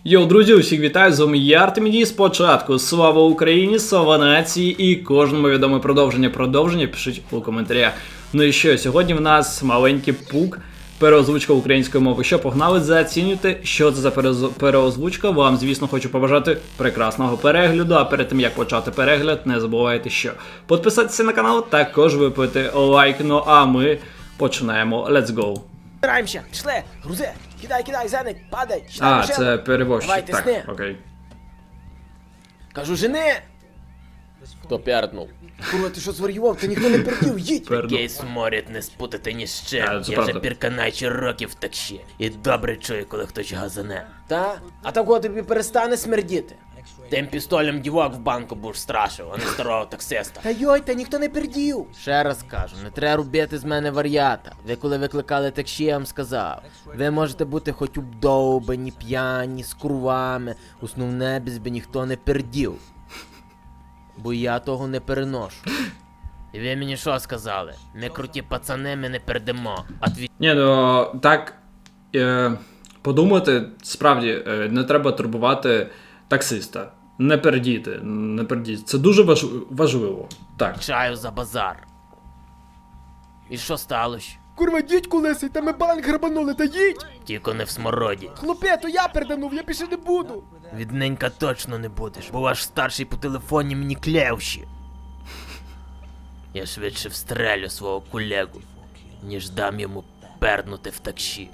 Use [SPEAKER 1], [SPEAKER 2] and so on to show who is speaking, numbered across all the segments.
[SPEAKER 1] Йоу, друзі, усіх вітаю, з вами я, Артемідій. Спочатку слава Україні, слава нації і кожному відоме продовження пишіть у коментарях. Ну і що, сьогодні в нас маленький пук, переозвучка української мови. Що, погнали, зацінюйте, що це за переозвучка. Вам, звісно, хочу побажати прекрасного перегляду, а перед тим, як почати перегляд, не забувайте, що підписатися на канал, також випити лайк, ну а ми починаємо. Let's go!
[SPEAKER 2] Збираємося, пішли, грузи, кидай, зеник, падай,
[SPEAKER 1] А, це перевозчик,
[SPEAKER 2] Давайте,
[SPEAKER 1] так,
[SPEAKER 2] сни.
[SPEAKER 1] окей.
[SPEAKER 2] Кажу, жени!
[SPEAKER 3] Хто п'яртнув?
[SPEAKER 2] Курва, ти що зварював? Ти ніхто не пердів, їдь!
[SPEAKER 4] Такий сморід не спутати ні з чим.
[SPEAKER 1] А, це
[SPEAKER 4] Я
[SPEAKER 1] правда.
[SPEAKER 4] вже пірканачі років так ще. І добре чую, коли хтось газане.
[SPEAKER 2] Та? А такого тобі перестане смердіти?
[SPEAKER 4] Тим пістолем дівок в банку будеш страшив, а не старого таксиста.
[SPEAKER 2] Та йой, та ніхто не пердів!
[SPEAKER 3] Ще раз кажу, не треба робити з мене вар'ята. Ви коли викликали таксі, я вам сказав. Ви можете бути хоч обдовбані, п'яні, з курвами. Основне, без би ніхто не пердів. Бо я того не переношу.
[SPEAKER 4] І ви мені що сказали? Ми круті пацани, ми не пердемо.
[SPEAKER 1] Ні, ну так подумати, справді, не треба турбувати таксиста. Не пердіти. Це дуже важливо. Так.
[SPEAKER 4] Відвічаю за базар. І що сталося?
[SPEAKER 2] Курва, їдь, колесий, та ми банк грабанули, та їдь!
[SPEAKER 4] Тільки не в смороді.
[SPEAKER 2] Хлопе, то я перданув, я більше не буду!
[SPEAKER 4] Відненька точно не будеш, бо ваш старший по телефоні мені клявші. Я швидше встрелю свого колегу, ніж дам йому пернути в таксі.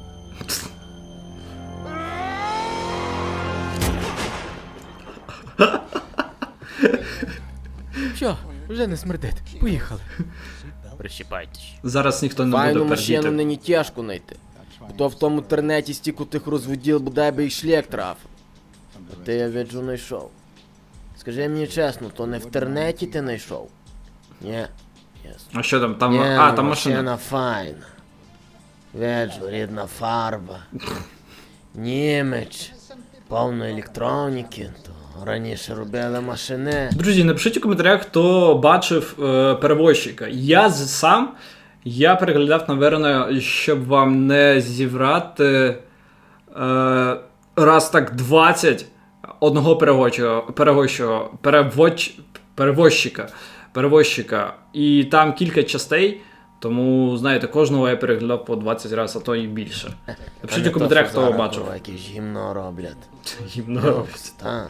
[SPEAKER 2] Що, вже не смердить, поїхали.
[SPEAKER 4] Прищіпайтесь.
[SPEAKER 1] Зараз ніхто не
[SPEAKER 3] Файну
[SPEAKER 1] буде
[SPEAKER 3] машину
[SPEAKER 1] пердіти.
[SPEAKER 3] нині тяжко знайти. Хто в тому тернеті стільки тих розводіл, бодай би і шлях трафив. А ти, я виджу, знайшов. Скажи мені чесно, то не в тернеті ти знайшов? Ні. Ясно.
[SPEAKER 1] А що там? Там,
[SPEAKER 3] Ні,
[SPEAKER 1] а, там машина.
[SPEAKER 3] машина файна. Виджу, рідна фарба. Німеч. Повно електроніки. То раніше робили машини.
[SPEAKER 1] Друзі, напишіть у коментарях, хто бачив перевозчика. Я переглядав, напевно, щоб вам не зіврати раз так 20 одного перевозчика. І там кілька частей, тому, знаєте, кожного я переглядав по 20 разів, а то і більше. Напишіть у коментарях, хто бачив.
[SPEAKER 3] Якесь гімно роблять.
[SPEAKER 1] Гімно робить.
[SPEAKER 3] Так.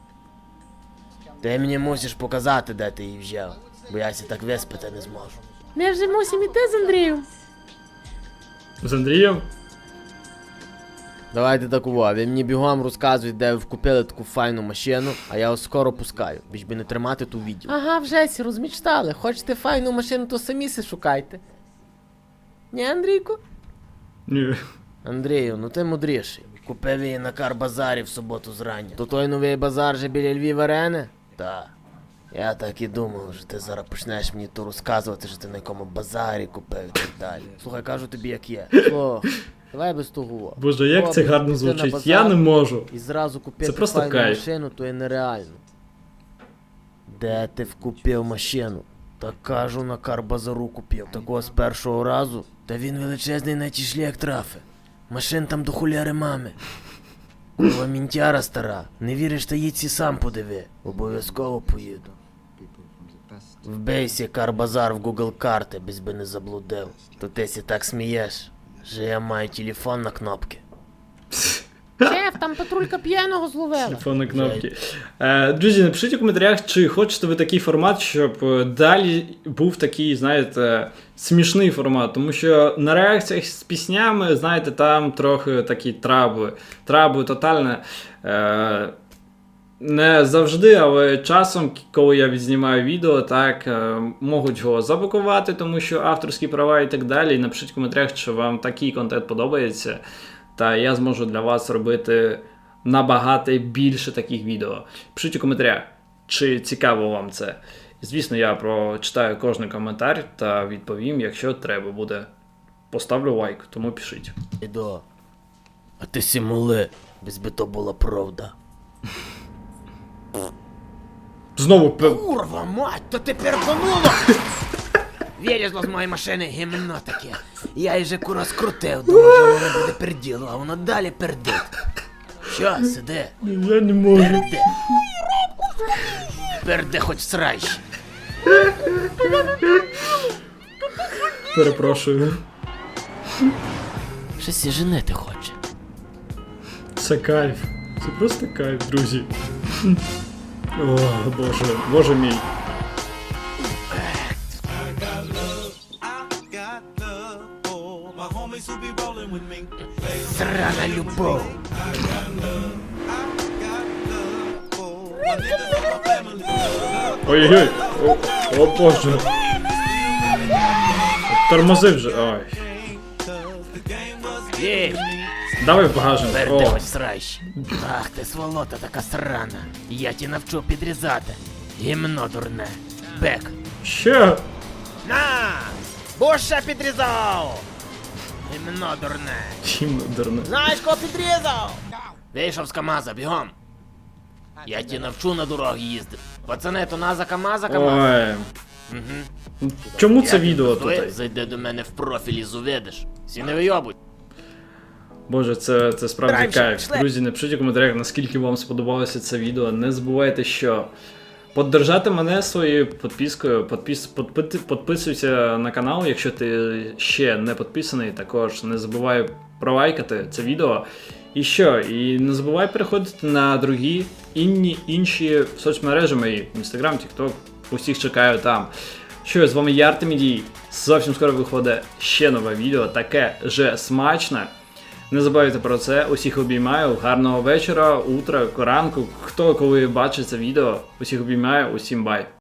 [SPEAKER 3] Ти мені мусиш показати, де ти її взяв, бо я ся так виспати не зможу.
[SPEAKER 5] Ми вже мусимо йти з Андрієм.
[SPEAKER 1] З Андрієм?
[SPEAKER 3] Давайте так увагу, ви мені бігом розказуєте, де ви купили таку файну машину, а я вас скоро пускаю, більш би не тримати ту відео.
[SPEAKER 5] Ага, вже сі розмічтали. Хочете файну машину, то самі се шукайте. Ні, Андрійку?
[SPEAKER 1] Ні.
[SPEAKER 3] Андрію, ну ти мудріший. Купив її на Карбазарі в суботу зрання. То той новий базар же біля Львів Арени? Так. Я так і думав, що ти зараз почнеш мені то розказувати, що ти на якому базарі купив і так далі. Слухай, кажу тобі як є. Слухай, давай без того.
[SPEAKER 1] Боже, як це
[SPEAKER 3] Хлопець,
[SPEAKER 1] гарно
[SPEAKER 3] ти на
[SPEAKER 1] звучить.
[SPEAKER 3] базар
[SPEAKER 1] Я не можу.
[SPEAKER 3] І зразу купити
[SPEAKER 1] Це просто
[SPEAKER 3] файну
[SPEAKER 1] кайф.
[SPEAKER 3] машину, то є нереально. Де ти вкупив машину? Та кажу, на Карбазару купив. Такого з першого разу. Та він величезний на ті шлях трафи. Машин там до хуляри мами. Курва мінтяра стара. Не віриш, та їдь сі сам подиви. Обов'язково поїду. Вбейся Карбазар в Google карти, без би не заблудив. То ти сі так смієш, що я маю телефон на кнопки.
[SPEAKER 5] Шеф, там патрулька п'яного зловила.
[SPEAKER 1] Телефонні кнопки. Друзі, напишіть у коментарях, чи хочете ви такий формат, щоб далі був такий, знаєте, смішний формат. Тому що на реакціях з піснями, знаєте, там трохи такі трабли. Трабли тотально. Не завжди, але часом, коли я відзнімаю відео, так, можуть його заблокувати, тому що авторські права і так далі. І напишіть в коментарях, чи вам такий контент подобається. Та я зможу для вас робити набагато більше таких відео. Пишіть у коментарях, чи цікаво вам це. І, звісно, я прочитаю кожен коментар та відповім, якщо треба буде. Поставлю лайк, тому пишіть.
[SPEAKER 3] Іду. А ти сімули, без би то була правда.
[SPEAKER 1] Знову
[SPEAKER 2] Курва, мать, то ти пердануло!
[SPEAKER 4] Вилізло з моєї машини гімно таке.
[SPEAKER 2] Я її же кура скрутив, думав, що воно буде перділо, а воно далі пердить.
[SPEAKER 3] Що, сиди?
[SPEAKER 1] Я не можу.
[SPEAKER 3] Перде. Перде хоч сраще.
[SPEAKER 1] Перепрошую.
[SPEAKER 3] Щось і женити хоче.
[SPEAKER 1] Це кайф. Це просто кайф, друзі. О, боже, боже мій.
[SPEAKER 3] Срана любов.
[SPEAKER 1] Ой-ой-ой. О боже. Тормози вже. Ой.
[SPEAKER 3] Є,
[SPEAKER 1] Давай в багажник.
[SPEAKER 3] перде
[SPEAKER 1] О.
[SPEAKER 3] хоч сраще. Ах ти сволота така срана. Я ті навчу підрізати. Гімно дурне. Бек.
[SPEAKER 1] Ще.
[SPEAKER 3] На! Будь ще підрізав! Гімно дурне.
[SPEAKER 1] Чим дурне.
[SPEAKER 2] Знаєш, кого підрізав?
[SPEAKER 3] Вийшов з КамАЗа, бігом. Я ті навчу на дорогі їздити. Пацани, то наза КамАза, КамАЗ.
[SPEAKER 1] Ой. Чому це відео
[SPEAKER 3] тут?
[SPEAKER 1] тут?
[SPEAKER 3] Зайди до мене в профіль і зуведеш. Всі не вийобуй.
[SPEAKER 1] Боже, це справді
[SPEAKER 2] Раніше
[SPEAKER 1] кайф.
[SPEAKER 2] пішли.
[SPEAKER 1] Друзі, напишіть у коментарях, наскільки вам сподобалося це відео. Не забувайте, що поддержати мене своєю підпискою. Підписуйся на канал, якщо ти ще не підписаний. Також не забувай пролайкати це відео. І що? І не забувай переходити на другі інші соцмережі мої. Інстаграм, Тікток. Усіх чекаю там. Що, з вами я Артемідій. Зовсім скоро виходить ще нове відео, таке же смачне. Не забувайте про це. Усіх обіймаю. Гарного вечора, утра, ранку. Хто коли бачить це відео. Усіх обіймаю, усім бай.